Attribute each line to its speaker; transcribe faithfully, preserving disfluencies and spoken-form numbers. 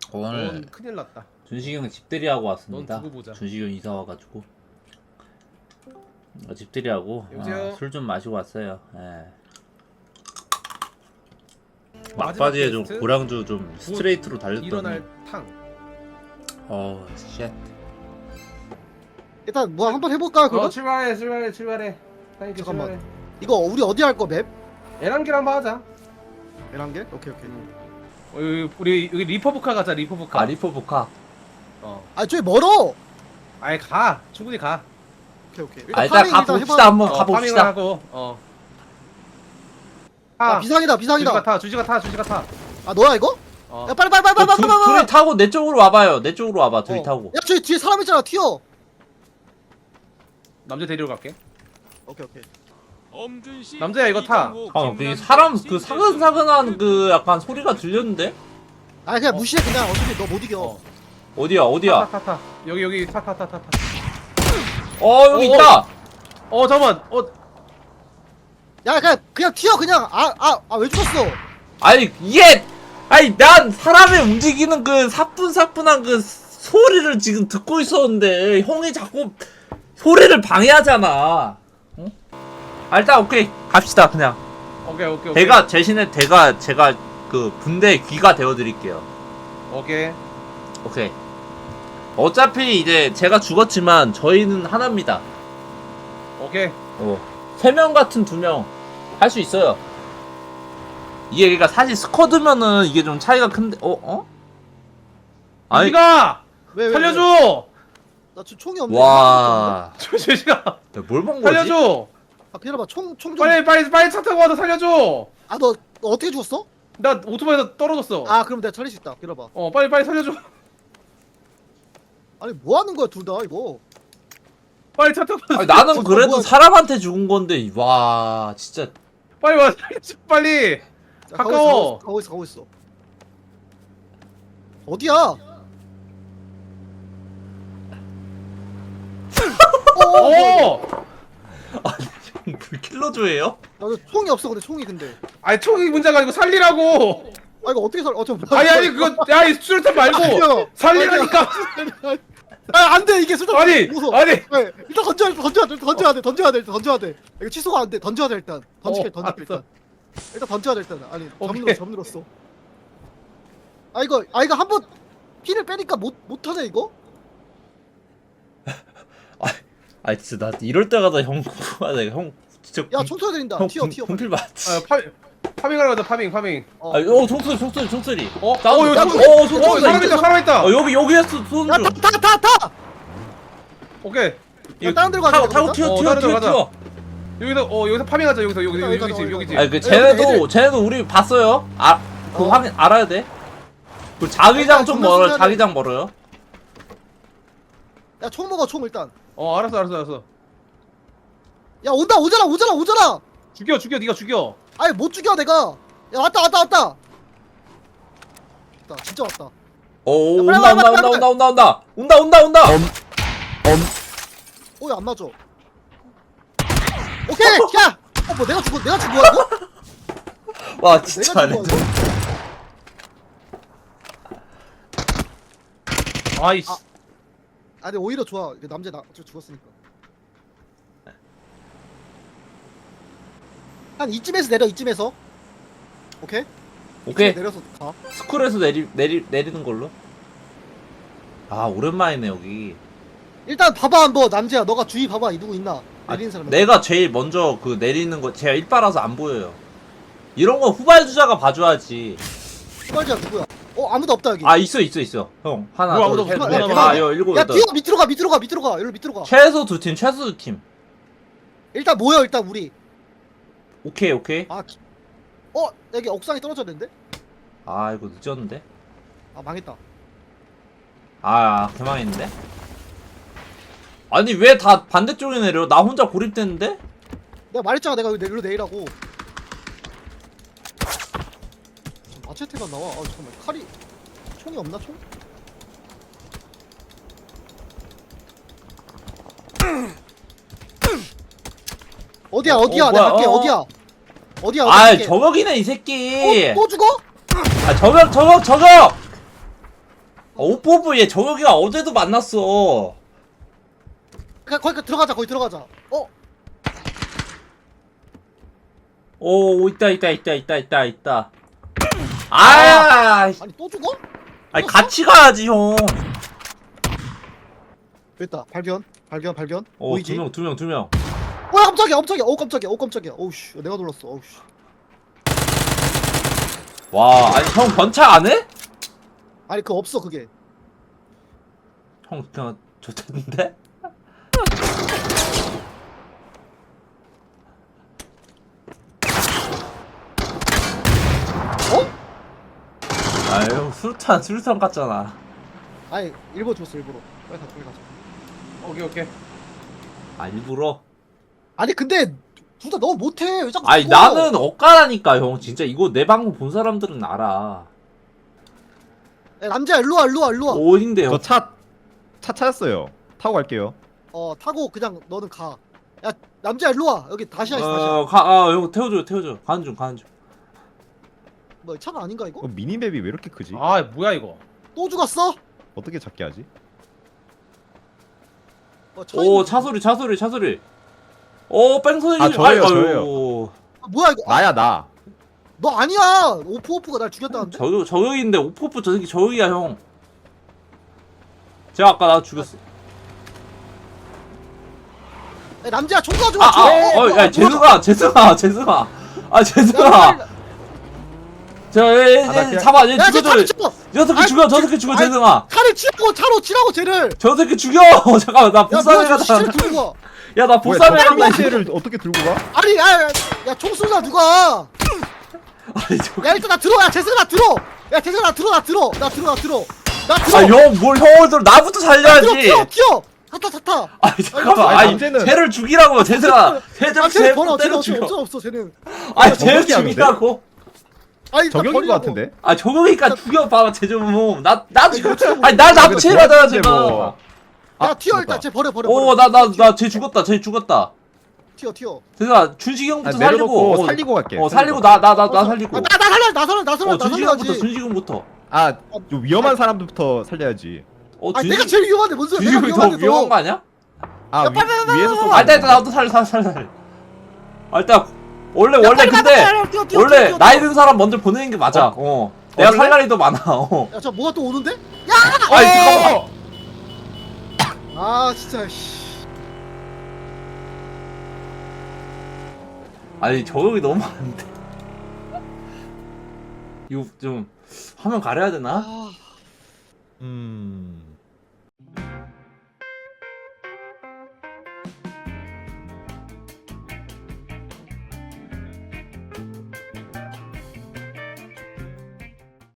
Speaker 1: 오늘
Speaker 2: 넌 큰일 났다.
Speaker 1: 준식이 형 집들이 하고 왔습니다.
Speaker 2: 넌 두고 보자.
Speaker 1: 준식이 형 이사 와가지고 어, 집들이 하고
Speaker 2: 여보세요?
Speaker 1: 아, 술 좀 마시고 왔어요. 예.
Speaker 2: 마지막
Speaker 1: 막바지에 좀
Speaker 2: 게스트?
Speaker 1: 고량주 좀 스트레이트로 달렸더니
Speaker 2: 일어날 탕.
Speaker 1: 어 쉣.
Speaker 3: 일단 뭐 한번 해볼까 그럼?
Speaker 2: 어 출발해 출발해 출발해. 사장님
Speaker 3: 잠깐만.
Speaker 2: 출발해.
Speaker 3: 이거 우리 어디 할 거 맵?
Speaker 2: 에란길 한번 하자.
Speaker 3: 열한 개? 오케이 오케이.
Speaker 2: 어, 여기, 우리 여기 리퍼브카 가자 리퍼브카.
Speaker 1: 아 리포보카.
Speaker 2: 어.
Speaker 3: 아 저기 멀어.
Speaker 2: 아예 가. 충분히 가.
Speaker 3: 오케이 오케이.
Speaker 1: 아 일단
Speaker 3: 파밍
Speaker 1: 가봅시다
Speaker 3: 해봐.
Speaker 1: 한번
Speaker 2: 어, 파밍을
Speaker 1: 가봅시다.
Speaker 2: 하고. 어.
Speaker 3: 아
Speaker 2: 아
Speaker 3: 비상이다 비상이다.
Speaker 2: 주지가 타 주지가 타 주지가 타.
Speaker 3: 아 너야 이거?
Speaker 2: 어.
Speaker 3: 야 빨리 빨리 빨리
Speaker 1: 어,
Speaker 3: 빨리
Speaker 1: 둘,
Speaker 3: 빨리 빨리.
Speaker 1: 둘이 타고 내 쪽으로 와봐요. 내 쪽으로 와봐. 둘이
Speaker 3: 어.
Speaker 1: 타고.
Speaker 3: 야 저기 뒤에 사람 있잖아 튀어.
Speaker 2: 남자 데리러 갈게.
Speaker 3: 오케이 오케이.
Speaker 2: 남자야 이거 타.
Speaker 1: 아, 그 사람 그 사근사근한 그 약간 소리가 들렸는데?
Speaker 3: 아 그냥
Speaker 2: 어.
Speaker 3: 무시해 그냥 어차피 너 못 이겨.
Speaker 2: 어.
Speaker 1: 어디야 어디야?
Speaker 2: 타타타. 여기 여기 타 타 타 타 타.
Speaker 1: 어 여기
Speaker 2: 어,
Speaker 1: 있다.
Speaker 2: 어 잠만. 어
Speaker 3: 야 그냥 그냥 튀어 그냥 아 아 아 왜 죽었어?
Speaker 1: 아니 이게 아니 난 사람의 움직이는 그 사뿐사뿐한 그 소리를 지금 듣고 있었는데 형이 자꾸 소리를 방해하잖아. 응? 아, 일단 오케이 갑시다 그냥.
Speaker 2: 오케이 오케이 오케이.
Speaker 1: 대가 대신에 대가 제가 그 분대 귀가 되어드릴게요.
Speaker 2: 오케이.
Speaker 1: 오케이. 어차피 이제 제가 죽었지만 저희는 하나입니다.
Speaker 2: 오케이.
Speaker 1: 어. 세 명 같은 두 명 할 수 있어요. 이게 그러니까 사실 스쿼드면은 이게 좀 차이가 큰데 어 어? 아니
Speaker 2: 주지가
Speaker 3: 왜, 왜,
Speaker 2: 살려줘.
Speaker 3: 나 지금 총이 없네.
Speaker 1: 와.
Speaker 2: 주지가
Speaker 1: 뭘 본 거지?
Speaker 2: 살려줘.
Speaker 3: 아 기다려봐 총총 좀.
Speaker 2: 빨리 빨리 빨리 차 타고 와서 살려줘.
Speaker 3: 아너 너 어떻게 죽었어?
Speaker 2: 나 오토바이에서 떨어졌어.
Speaker 3: 아 그럼 내가 살릴 수 있다. 기다려봐.
Speaker 2: 어 빨리 빨리 살려줘.
Speaker 3: 아니 뭐 하는 거야 둘 다 이거.
Speaker 2: 빨리 차 타고 와서
Speaker 1: 아니, 나는
Speaker 3: 어,
Speaker 1: 그래도
Speaker 3: 뭐야.
Speaker 1: 사람한테 죽은 건데 와 진짜
Speaker 2: 빨리 와 살려줘 빨리.
Speaker 3: 자,
Speaker 2: 가까워.
Speaker 3: 가고 있어 가고 있어. 가고 있어. 어디야? 어.
Speaker 2: 오.
Speaker 1: 불킬러조예요?
Speaker 3: 나도 총이 없어 근데 총이 근데.
Speaker 2: 아니 총이 문제가 아니고 살리라고.
Speaker 3: 아 이거 어떻게 살? 어저
Speaker 2: 아니 아니 그거 야이 수류탄 말고 살리라니까.
Speaker 3: 아 안돼 이게 술탄.
Speaker 2: 아니
Speaker 3: 무서워.
Speaker 2: 아니.
Speaker 3: 네, 일단 던져야 돼 던져야 돼 던져야 돼 던져야 돼 일단 던져야 돼. 이거 취소가 안 돼 던져야 돼 일단. 던질게
Speaker 2: 어,
Speaker 3: 던질게 일단.
Speaker 2: 알았어.
Speaker 3: 일단 던져야 돼 일단. 아니
Speaker 2: 오케이.
Speaker 3: 잠들었어 잠들었어. 아 이거 아 이거 한번 피를 빼니까 못 못하네 이거.
Speaker 1: 아 진짜 나 이럴 때마다 형 궁금하다 형 진짜
Speaker 3: 야 총 쏘야 된다.
Speaker 1: 형
Speaker 3: 튀어
Speaker 1: 분-
Speaker 3: 튀어.
Speaker 1: 분필 맞지?
Speaker 2: 아 파 파밍하러 가자 파밍 파밍.
Speaker 3: 어.
Speaker 1: 아, 어 총소리 총소리 총소리
Speaker 2: 어?
Speaker 1: 다운,
Speaker 2: 어, 여기
Speaker 1: 다운.
Speaker 2: 총-
Speaker 1: 어,
Speaker 2: 어,
Speaker 1: 총소리
Speaker 2: 사람 있다 사람 있다.
Speaker 1: 어 여기 여기에서 쏘는 중
Speaker 3: 야타 타 타 타.
Speaker 2: 오케이.
Speaker 3: 야, 다른 데로 가자,
Speaker 1: 타고 타고
Speaker 3: 그러면?
Speaker 1: 튀어
Speaker 2: 어,
Speaker 1: 튀어
Speaker 2: 다른 데로
Speaker 1: 튀어
Speaker 2: 가자.
Speaker 1: 튀어
Speaker 2: 여기서 어 여기서 파밍하자 여기서 여기
Speaker 3: 여기
Speaker 2: 여기
Speaker 3: 가자,
Speaker 2: 집
Speaker 3: 여기
Speaker 2: 여기 집.
Speaker 3: 가자.
Speaker 1: 아니 그
Speaker 3: 애들,
Speaker 1: 쟤네도
Speaker 3: 애들.
Speaker 1: 쟤네도 우리 봤어요 아그
Speaker 3: 어.
Speaker 1: 확인 알아야 돼그 자기장
Speaker 3: 일단
Speaker 1: 좀
Speaker 3: 정면
Speaker 1: 멀어
Speaker 3: 수사를-
Speaker 1: 자기장 멀어요
Speaker 3: 야 총 먹어 총 일단.
Speaker 2: 어 알았어 알았어 알았어.
Speaker 3: 야 온다 오잖아 오잖아 오잖아.
Speaker 2: 죽여 죽여 네가 죽여.
Speaker 3: 아니 못 죽여 내가. 야 왔다 왔다 왔다. 왔다 진짜 왔다.
Speaker 1: 오
Speaker 3: 야,
Speaker 1: 온다
Speaker 3: 빨리,
Speaker 1: 온다
Speaker 3: 빨리,
Speaker 1: 온다
Speaker 3: 빨리,
Speaker 1: 온다 온다 온다 온다 온다 온다
Speaker 3: 오야 안 맞아. 오케이 야. 어 뭐 내가 죽어 내가 죽어 이거?
Speaker 1: 와 진짜
Speaker 3: 내가
Speaker 1: 안
Speaker 3: 죽어
Speaker 1: 해.
Speaker 3: 이거?
Speaker 2: 아이씨.
Speaker 3: 아. 아니 오히려 좋아. 이게 남자 나 저 죽었으니까. 한 이쯤에서 내려 이쯤에서. 오케이?
Speaker 1: 오케이
Speaker 3: 이쯤에 내려서 가.
Speaker 1: 스쿨에서 내리 내리 내리는 걸로 아 오랜만이네 여기
Speaker 3: 일단 봐봐 한번 남자야 너가 주위 봐봐 이 누구 있나?
Speaker 1: 아,
Speaker 3: 내리는 사람.
Speaker 1: 내가 제일 먼저 그 내리는 거 제가 일바라서 안 보여요 이런 거 후발주자가 봐줘야지
Speaker 3: 후발자 누구야? 어 아무도 없다 여기.
Speaker 1: 아 있어 있어 있어 형 하나
Speaker 2: 뭐 아무도
Speaker 1: 둘셋
Speaker 2: 없어?
Speaker 1: 넷
Speaker 2: 뭐
Speaker 1: 다
Speaker 2: 아무도
Speaker 1: 여 일곱
Speaker 3: 야
Speaker 1: 여덟
Speaker 3: 뒤로 밑으로 가 밑으로 가 밑으로 가 여기로 밑으로 가.
Speaker 1: 최소 두 팀 최소 두팀
Speaker 3: 일단 모여 일단 우리.
Speaker 1: 오케이 오케이
Speaker 3: 아 기... 어 여기 옥상에 떨어졌는데?
Speaker 1: 아 이거 늦었는데
Speaker 3: 아 망했다.
Speaker 1: 아 개망했는데 아니 왜 다 반대쪽에 내려 나 혼자 고립됐는데
Speaker 3: 내가 말했잖아 내가 여기 내리로 내리라고. 마체테가 나와. 아 잠깐만 칼이 총이 없나 총? 어디야 어디야
Speaker 1: 어,
Speaker 3: 내가
Speaker 1: 뭐야,
Speaker 3: 갈게
Speaker 1: 어, 어.
Speaker 3: 어디야 어디야 어디야
Speaker 1: 아
Speaker 3: 갈게.
Speaker 1: 저격이네 이 새끼
Speaker 3: 또, 또 죽어?
Speaker 1: 아 저격 저격 저격 오포브 얘 저기가 어제도 만났어.
Speaker 3: 그냥 거기 들어가자 거기 들어가자. 어?
Speaker 1: 오 있다 있다 있다 있다 있다 있다. 아,
Speaker 3: 아니 또 죽어?
Speaker 1: 아니 같이 가야지 형.
Speaker 3: 됐다 발견 발견 발견.
Speaker 1: 오
Speaker 3: 보이지?
Speaker 1: 두 명 두 명 두 명.
Speaker 3: 어 깜짝이야 깜짝이야 어 깜짝이야 어 깜짝이야 어우씨 내가 놀랐어 어우씨.
Speaker 1: 와 아니 형 번차 안 해?
Speaker 3: 아니 그거 없어 그게.
Speaker 1: 형 그냥 좋던데?
Speaker 3: 어?
Speaker 1: 아유 수류탄 수류탄 같잖아.
Speaker 3: 아니 일부러 줬어 일부러. 빨리 가자 빨리 가자.
Speaker 2: 오케이 오케이.
Speaker 1: 아 일부러?
Speaker 3: 아니 근데 둘 다 너무 못해 왜 자꾸
Speaker 1: 아니
Speaker 3: 죽어?
Speaker 1: 나는 엇가라니까 형. 진짜 이거 내 방송 본 사람들은 알아.
Speaker 3: 야, 남자야 일로와 일로와 일로와.
Speaker 1: 어딘데요?
Speaker 4: 저 차 차 찾았어요. 타고 갈게요.
Speaker 3: 어 타고 그냥 너는 가. 야 남자야 일로와 여기 다시야 있어 다시야.
Speaker 1: 어, 가, 아, 이거 태워줘, 태워줘. 가는 중, 가는 중.
Speaker 3: 뭐 차가 아닌가 이거?
Speaker 4: 어, 미니맵이 왜 이렇게 크지?
Speaker 2: 아 뭐야 이거.
Speaker 3: 또 죽었어?
Speaker 4: 어떻게 작게 하지?
Speaker 3: 어,
Speaker 1: 오, 차 소리, 차 소리, 차 소리. 오, 뺑소니.
Speaker 4: 아, 저예요, 저예요.
Speaker 3: 아, 뭐야 이거? 아,
Speaker 4: 나야 나.
Speaker 3: 너 아니야. 오프 오프가 날 죽였다는데.
Speaker 1: 저격, 저격인데, 오포프 저 새끼 저격이야, 형. 제가 아까 나 죽였어.
Speaker 3: 야, 남자야 총 가지고.
Speaker 1: 아, 아, 어, 야, 재승아, 재승아, 재승아. 아, 재승아. 저, 얘,
Speaker 4: 아, 나
Speaker 1: 얘,
Speaker 4: 그냥-
Speaker 1: 잡아, 얘
Speaker 3: 야, 쟤 차를
Speaker 1: 죽여줘.
Speaker 3: 치고.
Speaker 1: 저 새끼
Speaker 3: 아이,
Speaker 1: 죽여, 저
Speaker 3: 쟤-
Speaker 1: 새끼 죽여,
Speaker 3: 아이,
Speaker 1: 재승아.
Speaker 3: 차를 치라고 차로 치라고 쟤를.
Speaker 1: 저 새끼 죽여! 잠깐만, 나
Speaker 3: 야
Speaker 1: 복사해
Speaker 3: 뭐야 저
Speaker 1: 가다.
Speaker 3: 시체를 들고 가.
Speaker 1: 야, 나
Speaker 4: 뭐야,
Speaker 1: 복사해
Speaker 4: 저
Speaker 1: 간다.
Speaker 4: 시체를 어떻게 들고 가?
Speaker 3: 아니 야야총 쏘자 누가?
Speaker 1: 아니, 저.
Speaker 3: 야 일단 나 들어. 야 재승아 나 들어. 야 재승아 나 들어 나 들어 나 들어 나 들어 나 들어.
Speaker 1: 아, 형, 뭘 형을 들어. 나부터
Speaker 3: 나 들어
Speaker 1: 살려야지.
Speaker 3: 튀어 튀어. 타타 타타.
Speaker 1: 아니 잠깐만,
Speaker 4: 아니,
Speaker 1: 아니
Speaker 4: 문제는-
Speaker 1: 쟤를 죽이라고 쟤들아, 쟤좀
Speaker 3: 아 쟤는 번호
Speaker 1: 때려
Speaker 3: 쟤는
Speaker 1: 죽여.
Speaker 3: 없어 없어 쟤는.
Speaker 1: 아니 쟤를
Speaker 4: 저격이 안 돼?
Speaker 1: 죽이라고.
Speaker 3: 아니
Speaker 4: 저격인 거 같은데?
Speaker 1: 아 저격이니까 죽여봐 쟤 좀. 나나 지금
Speaker 3: 그렇죠.
Speaker 1: 아니 나
Speaker 4: 근데
Speaker 1: 나부채 맞아야
Speaker 4: 도와주는데
Speaker 1: 제가.
Speaker 4: 뭐.
Speaker 3: 야
Speaker 4: 아,
Speaker 3: 튀어
Speaker 4: 맞다.
Speaker 3: 일단 쟤 버려 버려. 버려.
Speaker 1: 오나 나 나 쟤 죽었다 쟤 죽었다.
Speaker 3: 튀어 튀어.
Speaker 1: 제가 준식이 형부터
Speaker 4: 아,
Speaker 1: 살리고.
Speaker 4: 내려놓고
Speaker 1: 어,
Speaker 4: 살리고 갈게.
Speaker 1: 어 살리고 나 나 나 나 살리고.
Speaker 3: 아, 나, 나 살려 나 살려 나 살려
Speaker 1: 어
Speaker 3: 나
Speaker 1: 준식이 형부터
Speaker 3: 살려야지.
Speaker 1: 준식이 형부터.
Speaker 4: 아, 좀 위험한 사람들부터 살려야지.
Speaker 1: 어
Speaker 3: 아 내가
Speaker 1: 준식이
Speaker 3: 제일 위험한데 뭔 소리야? 내가
Speaker 1: 준식이 더
Speaker 3: 위험한데
Speaker 1: 위험한 거 아니야?
Speaker 4: 아,
Speaker 3: 야,
Speaker 4: 위,
Speaker 3: 빨리, 빨리,
Speaker 4: 위에서
Speaker 3: 빨리,
Speaker 4: 쏘면
Speaker 1: 아
Speaker 4: 안
Speaker 1: 일단
Speaker 4: 돼.
Speaker 1: 일단 나부터 살려 살려 살려 살려. 아 일단 원래
Speaker 3: 야,
Speaker 1: 원래
Speaker 3: 빨리,
Speaker 1: 근데
Speaker 3: 빨리, 빨리, 뛰어, 뛰어,
Speaker 1: 원래
Speaker 3: 뛰어,
Speaker 1: 나이
Speaker 3: 뛰어.
Speaker 1: 든 사람 먼저 보내는 게 맞아. 어. 내가
Speaker 4: 그래?
Speaker 1: 살 날이 더 많아. 어.
Speaker 3: 야저 뭐가 또 오는데?
Speaker 1: 아니 잠깐만.
Speaker 3: 아 진짜 씨.
Speaker 1: 아니 저격이 너무 안 돼. 이거 좀 화면 가려야 되나?
Speaker 3: 아
Speaker 4: 음.